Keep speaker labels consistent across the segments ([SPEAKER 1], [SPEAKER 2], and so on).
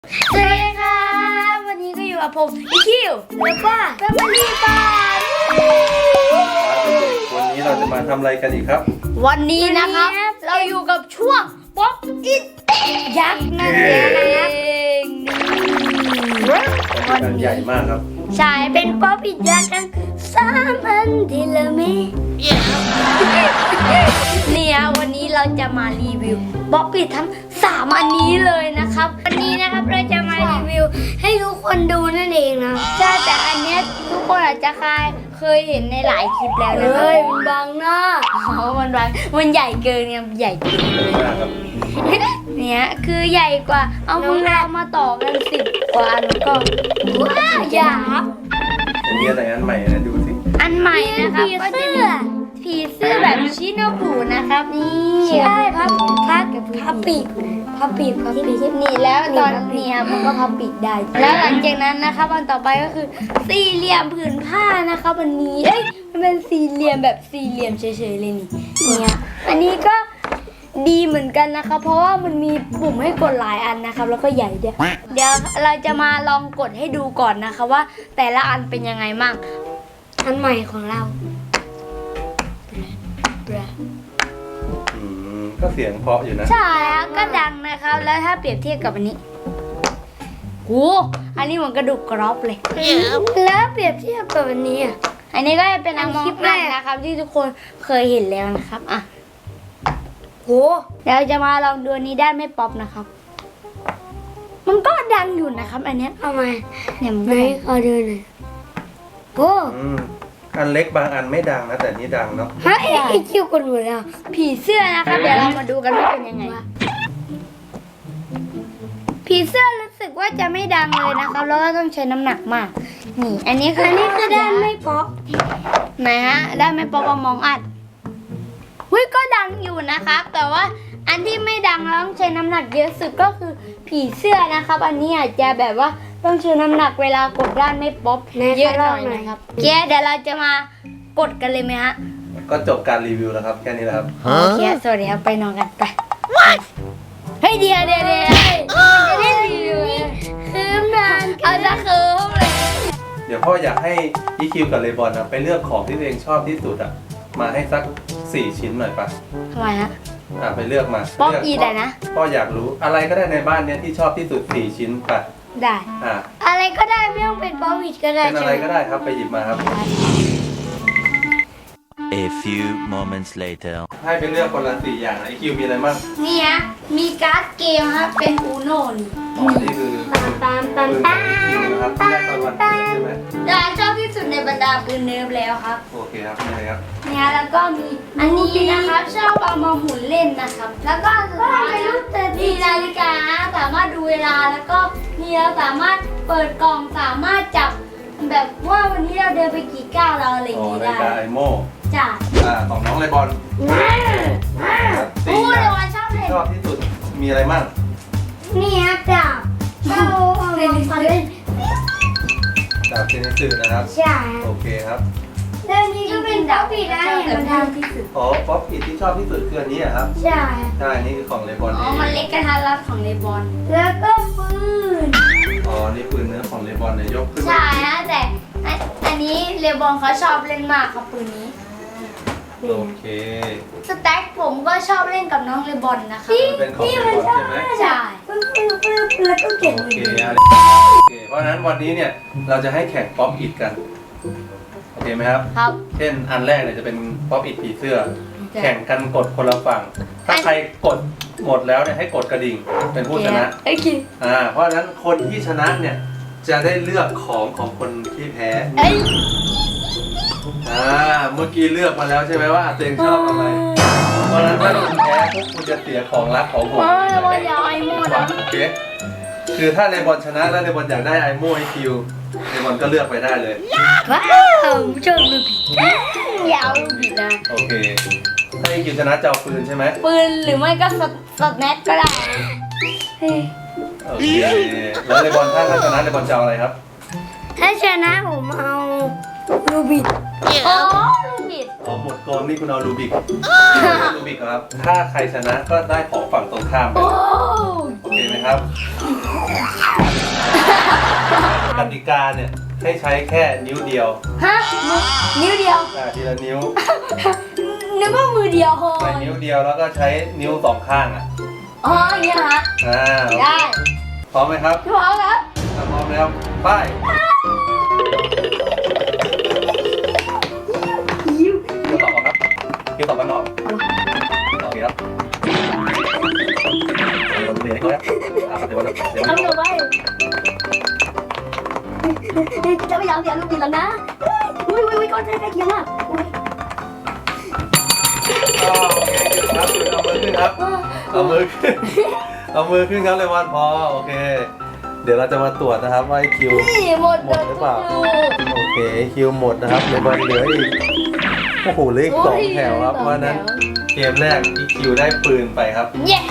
[SPEAKER 1] สวัสดีครับวันนี้ก็อยู่กับผมอีคิวแล้วก็แฟมิลี่บ้าน
[SPEAKER 2] วันนี้เราจะมาทำอะไรกันอีกครับ
[SPEAKER 1] วันนี้นะครับเราอยู่กับช่วงป๊อปอิทยักษ์นั่นเอง
[SPEAKER 2] วันใหญ่มากครับ
[SPEAKER 1] ใช่เป็นป๊อปอิทยักษ์ทั้ง3 อันที่เรามีเนี่ยวันนี้เราจะมารีวิวป๊อปอิททั้ง3 อันนี้เลยนะครับวันนี้นะครับเราจะมารีวิวให้ทุกคนดูนั่นเองนะใช่แต่อันเนี้ยทุกคนอาจจะเคยเห็นในหลายคลิปแล้วนะมันบางหน้ามันใหญ่เกินไงใหญ่เกิน
[SPEAKER 2] ใหญ่มากครับ
[SPEAKER 1] เนี่ยคือใหญ่กว่าเอาพวกเรามาต่อกัน10 กว่าอันก็ว้าวใหญ่
[SPEAKER 2] อันนี้อะไรอันใหม่นะดูสิ
[SPEAKER 1] อันใหม่นะครับก็จะมีผีเสื้อแบบชิโนบุนะครับนี่ใช่พับปีกนี่แล้วตอนเนี้ยมันก็พับปีกได้ แล้วหลังจากนั้นนะครับอันต่อไปก็คือสี่เหลี่ยมผืนผ้านะครับอันนี้มันเป็นสี่เหลี่ยมแบบสี่เหลี่ยมเฉยๆเลยนี่เนี่ยอันนี้ก็ดีเหมือนกันนะคะเพราะว่ามันมีปุ่มให้กดหลายอันนะครับแล้วก็ใหญ่ด้วยเดี๋ยวเราจะมาลองกดให้ดูก่อนนะคะว่าแต่ละอันเป็นยังไงบ้างอันใหม่ของเรา
[SPEAKER 2] ก็เสียงเพราะอยู่นะ
[SPEAKER 1] ใช่ครับก็ดังนะครับแล้วถ้าเปรียบเทียบกับอันนี้โหอันนี้เหมือนกระดูกกรอบเลยแล้วเปรียบเทียบกับอันนี้อันนี้ก็เป็นอันคลิปแรกนะครับที่ทุกคนเคยเห็นแล้วนะครับอ่ะโหเดี๋ยวจะมาลองดูอันนี้ได้ไม่ป๊อปนะครับมันก็ดังอยู่นะครับอันเนี้ยเอามาเนี่ยมันไม่ขอดูหน่อยโอ้
[SPEAKER 2] อันเล็กบางอันไม่ดังนะแต่นี่ดังเนาะ
[SPEAKER 1] ฮะไอคิวกันหมดแล้วผีเสื้อนะครับเดี๋ยวเรามาดูกันว่าเป็นยังไงผีเสื้อรู้สึกว่าจะไม่ดังเลยนะครับแล้วก็ต้องใช้น้ำหนักมากนี่อันนี้คือด้านไม่ป๊อปไหนฮะด้านไม่ป๊อปมองอัดก็ดังอยู่นะครับแต่ว่าอันที่ไม่ดังแล้วต้องใช้น้ำหนักเยอะสุดก็คือผีเสื้อนะครับอันนี้อาจจะแบบว่าต้องใช้น้ำหนักเวลากดด้านไม่ป๊อปเยอะหน่อยนะครับเดี๋ยวเราจะมากดกันเลยไหมฮะ
[SPEAKER 2] ก็จบการรีวิวแล้วครับแค่นี้แหละครับ
[SPEAKER 1] โอเคสวัสดีครับไปนอนกันไปเฮ้ยเดี๋ยวจะได้รีวิวคืมนานเอาจะคืมเลย
[SPEAKER 2] เดี๋ยวพ่ออยากให้อีคิวกับเลบอนไปเลือกของที่ตัวเองชอบที่สุดมาให้สัก4 ชิ้นหน่อยป่ะ
[SPEAKER 1] ทำไมฮะ
[SPEAKER 2] ไปเลือกมา
[SPEAKER 1] ป๊อปอีได้นะ
[SPEAKER 2] พ่ออยากรู้อะไรก็ได้ในบ้านเนี้ยที่ชอบที่สุด4 ชิ้นป่ะ
[SPEAKER 1] ได้อะไรก็ได้ไม่ต้องเป็นป๊อปอีก็ได้
[SPEAKER 2] เป็นอะไรก็ได้ครับไปหยิบมาครับ
[SPEAKER 3] A few moments later
[SPEAKER 2] ให้ไปเลือกคนละ4 อย่างไอคิวมีอะไรบ้าง
[SPEAKER 1] นี่ฮะมีการ์ดเกมครับเป็นอูโน่
[SPEAKER 2] นี่คือปืนคิวนะครับที่ได้ตอนวันเกิดใช่ไหม
[SPEAKER 1] ได้ชอบที่สุดในบรรดาปืนเนิร์ฟแล้วครับ
[SPEAKER 2] โอเคครับนี่เลยครับ
[SPEAKER 1] เนี่ยแล้วก็มีอันนี้นะครับชอบเอามาหมุนเล่นนะครับแล้วก็สุดท้ายมีนาฬิกาสามารถดูเวลาแล้วก็นี่เราสามารถเปิดกล่องสามารถจับแบบว่าวันนี้เราเดินไปกี่ก้าวเราอะไรอย่างนี้ได้
[SPEAKER 2] นาฬิกาไอโม่
[SPEAKER 1] จ้ะ
[SPEAKER 2] ของน้องเลบอน
[SPEAKER 1] โอ้เลบอนชอบเลย
[SPEAKER 2] ชอบที่สุดมีอะไรบ้าง
[SPEAKER 1] นี่ครับจับเอาเล่น
[SPEAKER 2] ดาบเทนนิสนะครับ
[SPEAKER 1] ใช่
[SPEAKER 2] โอเคครับ
[SPEAKER 1] เรื่องนี้ก็เป็นป๊อปปี้นะมันดังที่สุด
[SPEAKER 2] ป๊อปปี้ที่ชอบที่สุดคืออันนี้ครับ
[SPEAKER 1] ใช่
[SPEAKER 2] นี่คือของเลบอน
[SPEAKER 1] มันเล็กกระทัดรัดของเลบอนแล้วก็ปืน
[SPEAKER 2] นี่ปืนเนื้อของเลบอนเนี่ยยกขึ้น
[SPEAKER 1] ใช่ฮะแต่อันนี้เลบอนเขาชอบเล่นมากครับปืนนี้
[SPEAKER 2] โอเค
[SPEAKER 1] สแต็กผมก็ชอบเล่นกับน้องเลบอนนะคะ
[SPEAKER 2] เป็นของเลบอนใช่ไหม
[SPEAKER 1] ใช่แล้วก็เก่ง
[SPEAKER 2] โอเคเพราะฉะนั้นวันนี้เนี่ยเราจะให้แข่งป๊อปอิทกันโอเคไหมครับ
[SPEAKER 1] ครับ
[SPEAKER 2] เช่นอันแรกเนี่ยจะเป็นป๊อปอิทผีเสื้อแข่งกันกดคนละฝั่งถ้าใครกดหมดแล้วเนี่ยให้กดกระดิ่งเป็นผู้ชนะเพราะฉะนั้นคนที่ชนะเนี่ยจะได้เลือกของคนที่แพ้เมื่อกี้เลือกมาแล้วใช่ไหมว่าตัวเองชอบอะไรเพราะฉะนั้นถ้าคุณแพ้พวกคุณจะเสียของรักของผม
[SPEAKER 1] เลบอนอยากไอโม่นะ
[SPEAKER 2] โอเคคือถ้าเลบอนชนะแล้วเลบอนอยากได้ไอโม่ไอคิวเลบอนก็เลือกไปได้เลย
[SPEAKER 1] ว้าวชอบลูกยาวลูกบิดนะ
[SPEAKER 2] โอเคถ้าไอคิวชนะจะเอาปืนใช่ไหม
[SPEAKER 1] ปืนหรือไม่ก็สแน็คก็ได้
[SPEAKER 2] โอเคแล้วเลบอนถ้าชนะเลบอนจะเอาอะไรครับ
[SPEAKER 1] ถ้าชนะผมเอารูบิกอ๋อรูบิก
[SPEAKER 2] อ๋อหมดโกงนี่คุณเอารูบิกรูบิกครับ ถ้าใครชนะก็ได้ของฝั่งตรงข้ามไป
[SPEAKER 1] โอ้
[SPEAKER 2] โอเคไหมครับกติกาเนี่ยให้ใช้แค่นิ้วเดียว
[SPEAKER 1] ฮะนิ้วเดียว
[SPEAKER 2] ทีละนิ้ว
[SPEAKER 1] นึกว่ามือเดียวพอ
[SPEAKER 2] ใช้นิ้วเดียวแล้วก็ใช้นิ้วสองข้างอ่ะ
[SPEAKER 1] อ๋ออย่างเงี้ยฮะ ได้
[SPEAKER 2] พร้อมไหมครับ
[SPEAKER 1] พร้อมครับ
[SPEAKER 2] ถ้าพร้อมแล้วไป
[SPEAKER 1] ยิ้ว
[SPEAKER 2] คิวต่อครับคิวต่อกันเนาะโอเคครับเดี๋ยวเดี๋ยวเดี๋ยวเดี๋ยว
[SPEAKER 1] ทำต่อไปจะไม่ยอมเสียลูกบิดแล้วนะอุ้ยก้อนใกล้เคียงมากอุ้ย
[SPEAKER 2] โอเคครับเอามือขึ้นครับเอามือขึ้นเอามือขึ้นครับเลวันพอโอเค เดี๋ยวเราจะมาตรวจนะครับว่าคิว
[SPEAKER 1] นี่หมด
[SPEAKER 2] หรือเปล่าโอเคคิวหมดนะครับเลวันเหลืออีกโอ้โหเหลืออีก2 แถวครับเพราะฉะนั้นเกมแรกอีคิวได้ปืนไปครับ
[SPEAKER 1] เย้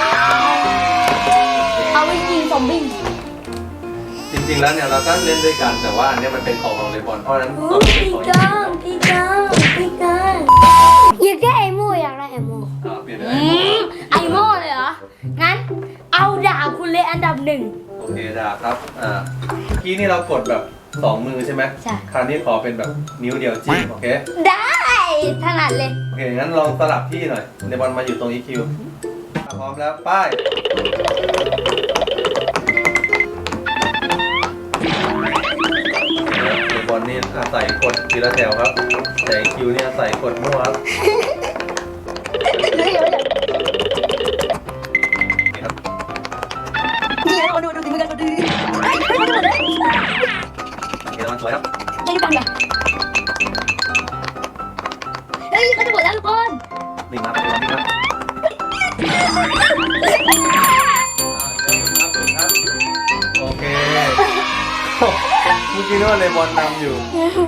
[SPEAKER 1] เอาไปยิงซอมบี้
[SPEAKER 2] จริงๆแล้วเนี่ยเราก็เล่นด้วยกันแต่ว่าอันนี้มันเป็นของของเลบอนเพราะฉะนั้นต้องเป็นของอีคิว
[SPEAKER 1] พี่กังอยากได้ไอโม่อยากได้ไอโม่
[SPEAKER 2] เปลี่ยนไป
[SPEAKER 1] ไอโม่เลยเหรอ งั้นเอาดาบคุณเลยอันดับ1
[SPEAKER 2] โอเคดาบครับเมื่อกี้นี่เรากดแบบ2 มือใช่ไหม
[SPEAKER 1] ใช่
[SPEAKER 2] คราวนี้ขอเป็นแบบนิ้วเดียวจิ้มโอเค
[SPEAKER 1] ได้ถนัดเลย
[SPEAKER 2] โอเคงั้นลองสลับที่หน่อยเลบอนมาอยู่ตรงอีคิวพร้อมแล้วป้ายเลบอนนี่อาศัยกดทีละแถวครับแต่อีคิวนี่อาศัยกดมั่วครับนี่ครับ
[SPEAKER 1] นี่เราดูสิมือกันดูดิ
[SPEAKER 2] โอเคมันสวยครับ
[SPEAKER 1] ได้ดูกันเหรอเฮ้ยเขาจะหมดแล้วทุกคน
[SPEAKER 2] นิ่งครับนิ่งครับโอเคเมื่อกี้นึกว่าเลบอนนำอยู่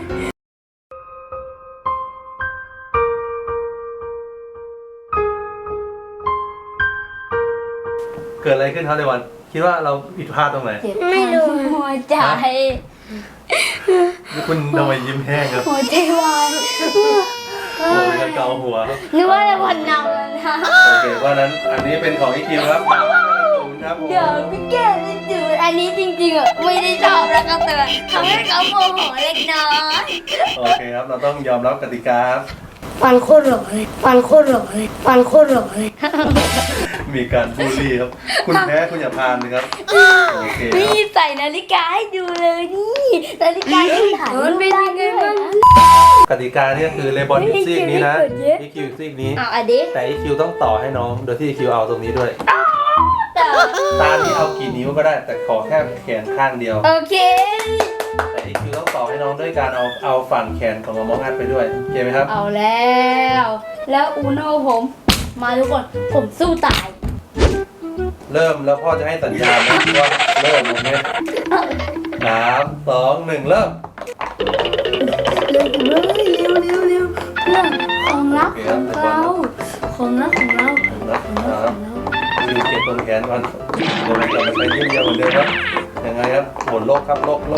[SPEAKER 2] เกิดอะไรขึ้นครับเลบอนคิดว่าเราผิดพลาดตรงไหน
[SPEAKER 1] ไม่รู้หัวใจ
[SPEAKER 2] คุณทำไมยิ้มแห้งครับ
[SPEAKER 1] หัวใจวาย
[SPEAKER 2] โอ้ยจะเกาหัวครับ
[SPEAKER 1] นึกว่าจะวันนำแล้วนะ
[SPEAKER 2] โอเคเพราะฉะนั้นอันนี้เป็นของอีคิวครับครับผม
[SPEAKER 1] เดี๋ยวพี่แก้วจะดูอันนี้จริงๆอ่ะไม่ได้ชอบแล้วก็เตือนทำให้เขาโมโหเล็กน้อย
[SPEAKER 2] โอเคครับเราต้องยอมรับกติกาครับ
[SPEAKER 1] ฟันโคตรหล่อเลยฟันโคตรหล่อเลยฟันโคตรหล่อเลย
[SPEAKER 2] มีการบูลลี่ครับ คุณแพ้คุณอย่าพานนะครับโอเคค
[SPEAKER 1] นี่
[SPEAKER 2] รับ
[SPEAKER 1] ใส่นาฬิกาให้ดูเลยนี่นาฬิกาที่ถ่ายมันเป็นยังไงบ้าง
[SPEAKER 2] กติกาเนี่ยคือเลบอนอยู่ซีกนี้นะ
[SPEAKER 1] ไม่เกี่ยว
[SPEAKER 2] อีคิวซีกนี้
[SPEAKER 1] อ่ะอันนี้
[SPEAKER 2] แต่อีคิวต้องต่อให้น้องโดยที่อีคิวเอาตรงนี้ด้วย
[SPEAKER 1] แต่
[SPEAKER 2] ตานี้เอากี่นิ้วก็ได้ แต่ขอแค่แขนข้างเดียว
[SPEAKER 1] โอเค
[SPEAKER 2] แต่อีคิวต้องต่อให้น้องด้วยการเอาฝั่งแขนของมองอัดไปด้วยโอเคไหมครับ
[SPEAKER 1] เอาแล้วอูโน่ผมมาทุกคนผมสู้ตาย
[SPEAKER 2] เริ่มแล้วพ่อจะให้สัญญาณนะว่าเริ่มโอเค3 2 1เริ่ม
[SPEAKER 1] เร็วเรื่องของลับของเราของลับของเรา
[SPEAKER 2] นะครับคือเก็บตรงแขนก่อนเดี๋ยวเราจะไปยืดเยอะเหมือนเดิมครับยังไงครับโหนโลกครับโลก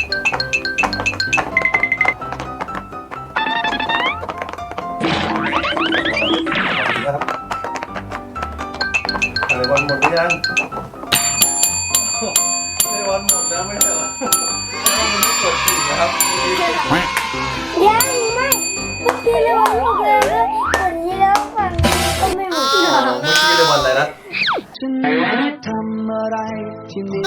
[SPEAKER 2] นะครับอะไรวันหมดหรือยังในวันหมดแล้วไม่ใช่เหรอมันไม่กดจริงนะครับ
[SPEAKER 1] ยังไม่เมื่อกี้เราบอกเลยว่าฝั่งนี้แล้วฝั่งนี้ก็ไม่หมด
[SPEAKER 2] เมื่อกี้ในวันอะไรนะ
[SPEAKER 4] ทำอะไรที่นี่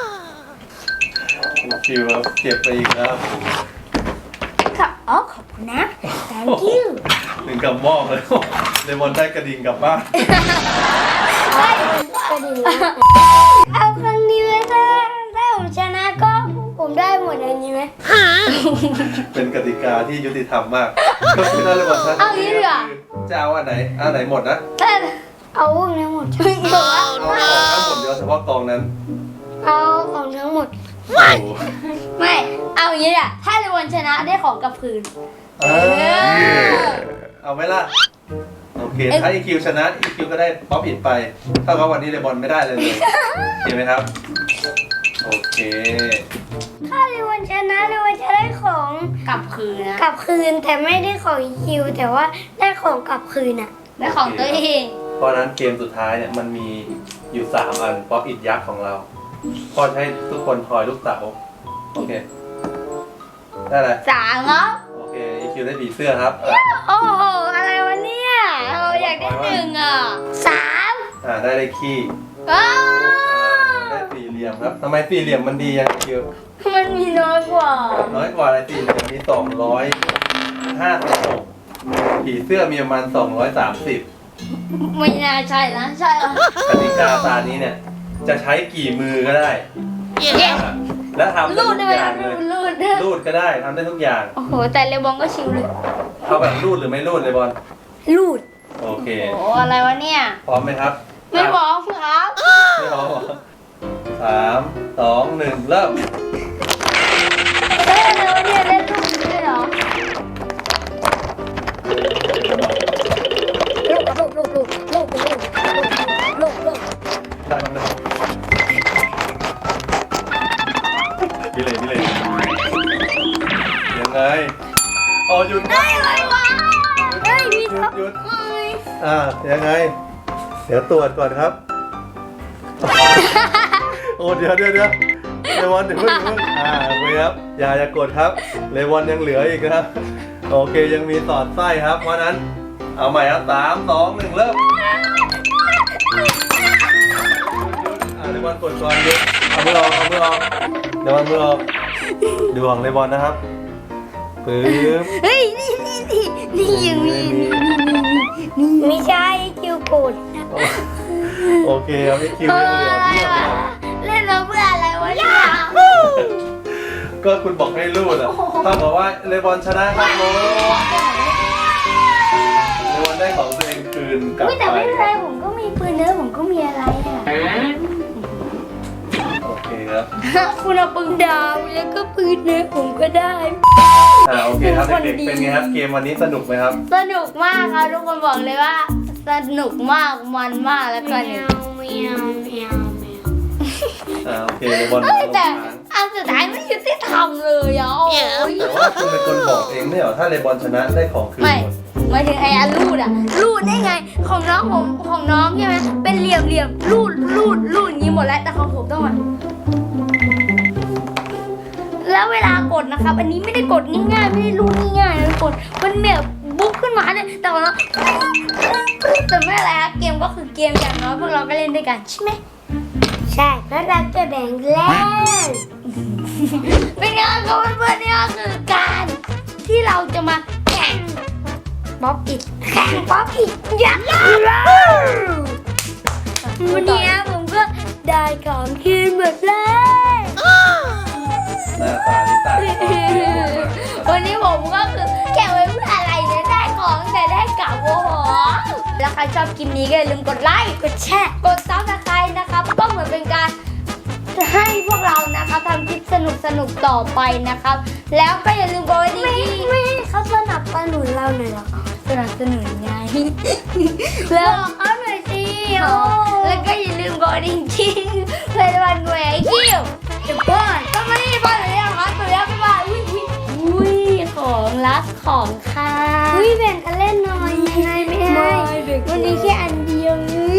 [SPEAKER 2] คิวครับเก็บไปอีกแล้ว
[SPEAKER 1] ค่ะอ๋อขอบคุณนะ thank you
[SPEAKER 2] หนึ่งกับหม้อเลยในวันได้กระดิ่งกลับบ้าน
[SPEAKER 1] ได้ก็ดีเอาครั้งนี้ไหมถ้าผมชนะก็ผมได้หมดอันนี้ไหม
[SPEAKER 2] เป็นกติกาที่ยุติธรรมมากก็คือถ้าในวันชนะ
[SPEAKER 1] เอางี้ดีกว่า
[SPEAKER 2] จะเอาอันไหนหมดนะ
[SPEAKER 1] ถ้าเอาพวกนี้หมดหรือว่า
[SPEAKER 2] เอาของทั้งหมดเดียวเฉพาะกองนั้น
[SPEAKER 1] เอาของทั้งหมด
[SPEAKER 2] โอ้โห
[SPEAKER 1] ไม่เอาอย่างนี้อ่ะถ้าในวันชนะได้ของกลับคืน
[SPEAKER 2] เอาไหมล่ะโอเคถ้าอีคิวชนะอีคิวก็ได้ป๊อปอิดไปเท่ากับวันนี้เลบอนไม่ได้เลยเห็นไหมครับโอเค
[SPEAKER 1] ถ้าในวันชนะในวันจะได้ของกลับคืนนะ
[SPEAKER 5] กลับคืนแต่ไม่ได้ของคิวแต่ว่าได้ของกลับคืนอ่ะ
[SPEAKER 1] ได้ของตัวเอง
[SPEAKER 2] เพราะฉะนั้นเกมสุดท้ายเนี่ยมันมีอยู่3อันป๊อปอิดยักษ์ของเราพ่อจะให้ทุกคนทอยลูกเต๋าโอเคได้เลย
[SPEAKER 1] 3ครับ
[SPEAKER 2] โอเค EQ ได้ผีเสื้อครับอ่ะ
[SPEAKER 1] โอ้โหอะไรวะเนี่ยเราอยากได้1อ่ะ
[SPEAKER 2] ได้เลขขี้
[SPEAKER 1] อ้าว
[SPEAKER 2] ได้สี่เหลี่ยมครับทำไมสี่เหลี่ยมมันดียัง EQ
[SPEAKER 1] มันมีน้อยกว่า
[SPEAKER 2] น้อยกว่าอะไรสี่เหลี่ยมมี256ผีเสื้อมีประมาณ230
[SPEAKER 1] ไม่น่าใช่นะใช่เหรอก
[SPEAKER 2] ติกาตานี้เนี่ยจะใช้กี่มือก็ได้
[SPEAKER 1] เย้
[SPEAKER 2] และทำได้
[SPEAKER 1] รูด
[SPEAKER 2] ทุ
[SPEAKER 1] ได้
[SPEAKER 2] ก
[SPEAKER 1] ไหม
[SPEAKER 2] อย่าง
[SPEAKER 1] รู
[SPEAKER 2] เลย
[SPEAKER 1] ดรูด
[SPEAKER 2] รูดก็ได้ทำได้ทุกอย่าง
[SPEAKER 1] โอ้โหแต่เลบองก็ชิวเลย
[SPEAKER 2] เอาแบบรูดหรือไม่รูดเลยบอล
[SPEAKER 5] ลูด
[SPEAKER 2] โอเค
[SPEAKER 1] โอ้โหอะไรวะเนี่ย
[SPEAKER 2] พร้อมไหมครับ
[SPEAKER 1] ไม่บอกครับ
[SPEAKER 2] ไม่พร้อมเหรอ3 2 1 เริ่ม
[SPEAKER 1] เฮ้ยอะไรวะเนี่ยเล่นลูกด้วยเหรอ
[SPEAKER 2] ได้มันเลยพี่เลยยังไงอ๋อหยุดครับ
[SPEAKER 1] อะไรวะเฮ้ยมีท็อป
[SPEAKER 2] หยุด
[SPEAKER 1] เฮ้ย
[SPEAKER 2] ยังไง เดี๋ยวตรวจก่อนครับ โอ้เดี๋ยวเลวอนเดี๋ยวเพิ่งโอเคครับอย่ากดครับเลวอนยังเหลืออีกนะครับโอเคยังมีสอดไส้ครับ เพราะนั้นเอาใหม่ครับ3 2 1 เริ่มเลวอนกดก่อนหยุดเอามือออกเลวอนมือออกดวงเลวอนนะครับปึ๊บ
[SPEAKER 1] เฮ้ยนี่ยังมีนี่
[SPEAKER 5] ไม่ใช่คิวโกด
[SPEAKER 2] โอเคครับพี่คิวยังเหลือเพียบเลยครับ
[SPEAKER 1] เล่นมาเพื่ออะไรวะเนี่ย
[SPEAKER 2] ก็คุณบอกให้รูดอ่ะถ้าบอกว่าเลบอนชนะครับโมเลบอนได้ของตัวเองคืนกลับ
[SPEAKER 1] แต่
[SPEAKER 2] ไป
[SPEAKER 1] ไม่เป็นไรผมก็มีปืนเนื้อผมก็มีอะไรอ่ะ
[SPEAKER 2] โอเคครับ
[SPEAKER 1] คุณเอาปืนดาวแล้วก็ปืนเนื้อผมก็ได้
[SPEAKER 2] โอเคครับเด็กๆเป็นไงครับเกมวันนี้สนุกไหมครับ
[SPEAKER 1] สนุกมากครับทุกคนบอกเลยว่า สนุกมากมันมากแล้วก็เนี่ย
[SPEAKER 2] โอเคเลบอน
[SPEAKER 1] เฮ้ยแต่อันสุดท้ายไม่ยุติธรรมเลยอ่ะโอ้ย
[SPEAKER 2] แต่ว่าคุณเป็นคนบอกเองไม่เหรอถ้าเลบอนชนะได้ของคืน
[SPEAKER 1] ไม่
[SPEAKER 2] หมด
[SPEAKER 1] หมายถึงไอ้อันรูดอ่ะรูดได้ไงของน้องผมของน้องใช่ไหมเป็นเหลี่ยมรูดอย่างนี้หมดแล้วแต่ของผมต้องมาแล้วเวลากดนะครับ อันนี้ไม่ได้กดง่ายๆไม่ได้รูดง่ายๆนะกดมันแบบบุ๊กขึ้นมาเนี่ยแต่ว่าแต่ไม่อะไรครับเกมก็คือเกมอย่างน้อยพวกเราก็เล่นด้วยกันใช่ไหม
[SPEAKER 5] ใช่แล้วเราจะแบ่งเล่น
[SPEAKER 1] เป็นไงครับเพื่อนๆนี่ก็คือการที่เราจะมาแข่งป๊อปอิด
[SPEAKER 5] แข่งป๊อปอีกยักษ์วันนี้ผมก็ได้ของคืนหมดเลย
[SPEAKER 2] หน้าตานี่ตาย
[SPEAKER 1] วันนี้ผมก็คือแข่งไว้เพื่ออะไรเนี่ยได้ของแต่ได้กลับโอ้โหแล้วใครชอบคลิปนี้ก็อย่าลืมกดไลค์กดแชร์กดซับสไครต์นะครับก็เหมือนเป็นการให้พวกเรานะครับทำคลิปสนุกต่อไปนะครับ แล้วก็อย่าลืมกดไลค์ที่
[SPEAKER 5] ไม่ให้เขาสนับสนุนเราหน่อยเหรอ
[SPEAKER 1] สนับสนุนไง แล้ว
[SPEAKER 5] เอาหน่อยสิ
[SPEAKER 1] แล้วก็อย่าลืมกดดิ่งที่เลยวันหน่วยไอ้คิวเดี๋ยวก่อนก็ไม่ได้บ้านเลยนะคะตัวแล้วไม่บ้านอุ้ยของรักของค่ะ
[SPEAKER 5] อุ้ยแบ่งกันเล่นหน่อยไม่ให้วันนี้แค่อันเดียวเลย